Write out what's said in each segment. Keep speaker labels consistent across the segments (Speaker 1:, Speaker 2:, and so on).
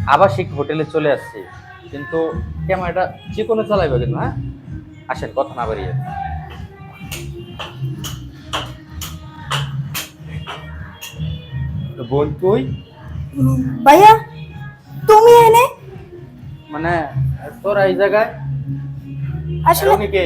Speaker 1: আবাসিক হোটেলে চলে আসছি, কিন্তু ক্যামেরাটা যে কোনো চালাইবে কিন্তু। হ্যাঁ, আসেন, কথা না বাড়িয়ে। তো বোন তুই
Speaker 2: ভাইয়া তুমি এনে
Speaker 1: মানে তোরা এই জায়গায় আর
Speaker 2: আসলে
Speaker 1: উনি কে?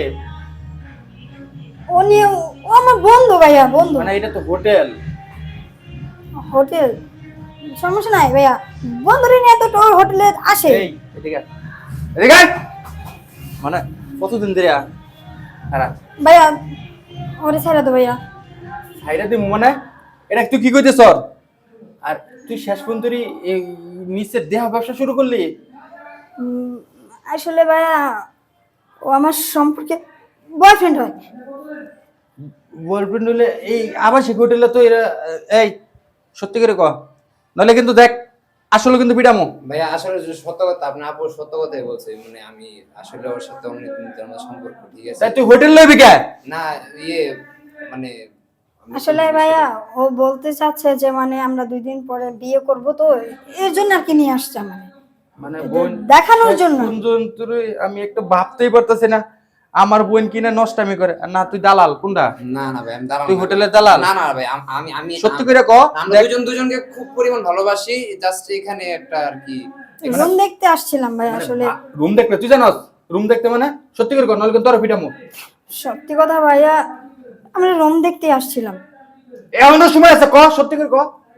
Speaker 2: উনি ও আমার বন্ধু ভাইয়া, বন্ধু।
Speaker 1: মানে এটা তো হোটেল।
Speaker 2: হোটেল সমস্যা নাই ভাইয়া, বন্ধুরে নিয়ে তো তোর হোটেলে আসে।
Speaker 1: এই এদিকে আয়, এদিকে আয়। মানে কতদিন ধরে খারাপ
Speaker 2: ভাইয়া ওরে ছেড়ে দো ভাইয়া।
Speaker 1: সাইডা দিমু মানে? এটা তুই কি কইতেছ? আর তুই শেষ পর্যন্ত এই নিচের দেহ ব্যবসা শুরু করলি?
Speaker 2: উম, আসলে ভাইয়া ও আমার সম্পর্কে বয়ফ্রেন্ড হয়।
Speaker 1: বয়ফ্রেন্ড হলে এই আবাসিক হোটেলে তো এরা এই সত্যি করে ক, নাহলে কিন্তু দেখ আসলে কিন্তু পিটামো।
Speaker 3: ভাইয়া আসলে যে সত্য কথা, আপনার আপু সত্য কথাই বলছে। মানে আমি আসলে ওর সাথে অনেক দিনের আমার সম্পর্ক, ঠিক আছে?
Speaker 1: তাই তুই হোটেল লইবি কে?
Speaker 3: না ইয়ে মানে আমি
Speaker 2: আসলে ভাইয়া ও বলতে চাচ্ছে যে মানে আমরা 2 দিন পরে বিয়ে করব, তো এর জন্য আর কি নিয়ে আসছে মানে
Speaker 1: মানে বোন
Speaker 2: দেখানোর জন্য।
Speaker 1: আমি একটু ভাবতেই পারতেছি না আমার বোন কিনা নষ্টামি করে। আর না তুই দালাল কোনটা?
Speaker 3: না না ভাই আমি দাঁড়ানো
Speaker 1: তুই
Speaker 3: না।
Speaker 1: হোটেলের দালাল?
Speaker 3: না না ভাই আমি আমি
Speaker 1: সত্যি করে ক।
Speaker 3: আমরা
Speaker 1: দেখ,
Speaker 3: দুজন দুজনকে খুব পরিমাণ ভালোবাসি, জাস্ট এখানে একটা আর কি
Speaker 2: রুম দেখতে আসছিলাম ভাই আসলে।
Speaker 1: রুম দেখতে তুই জানস? রুম দেখতে মানে সত্যি করে ক, নাহলে কিন্তু তোর পিটামো।
Speaker 2: সত্যি কথা ভাইয়া, আমরা রুম দেখতে আসছিলাম।
Speaker 1: এমনও সময় আছে, ক সত্যি করে ক।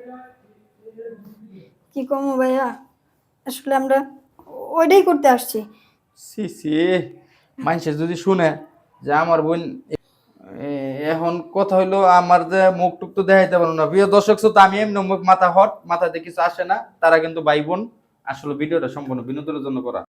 Speaker 2: কি কমো ভাইয়া, আসলে আমরা ওইটাই করতে আসছি।
Speaker 1: সি সি, মানুষে যদি শুনে যে আমার বোন এখন কথা হইলো, আমার যে মুখ টুক তো দেখাইতে পারবো না। প্রিয় দর্শক শ্রোতা, আমি এমনি মুখ মাথা হট, মাথাতে কিছু আসে না, তারা কিন্তু ভাই বোন। আসলে ভিডিওটা সম্পূর্ণ বিনোদনের জন্য করা।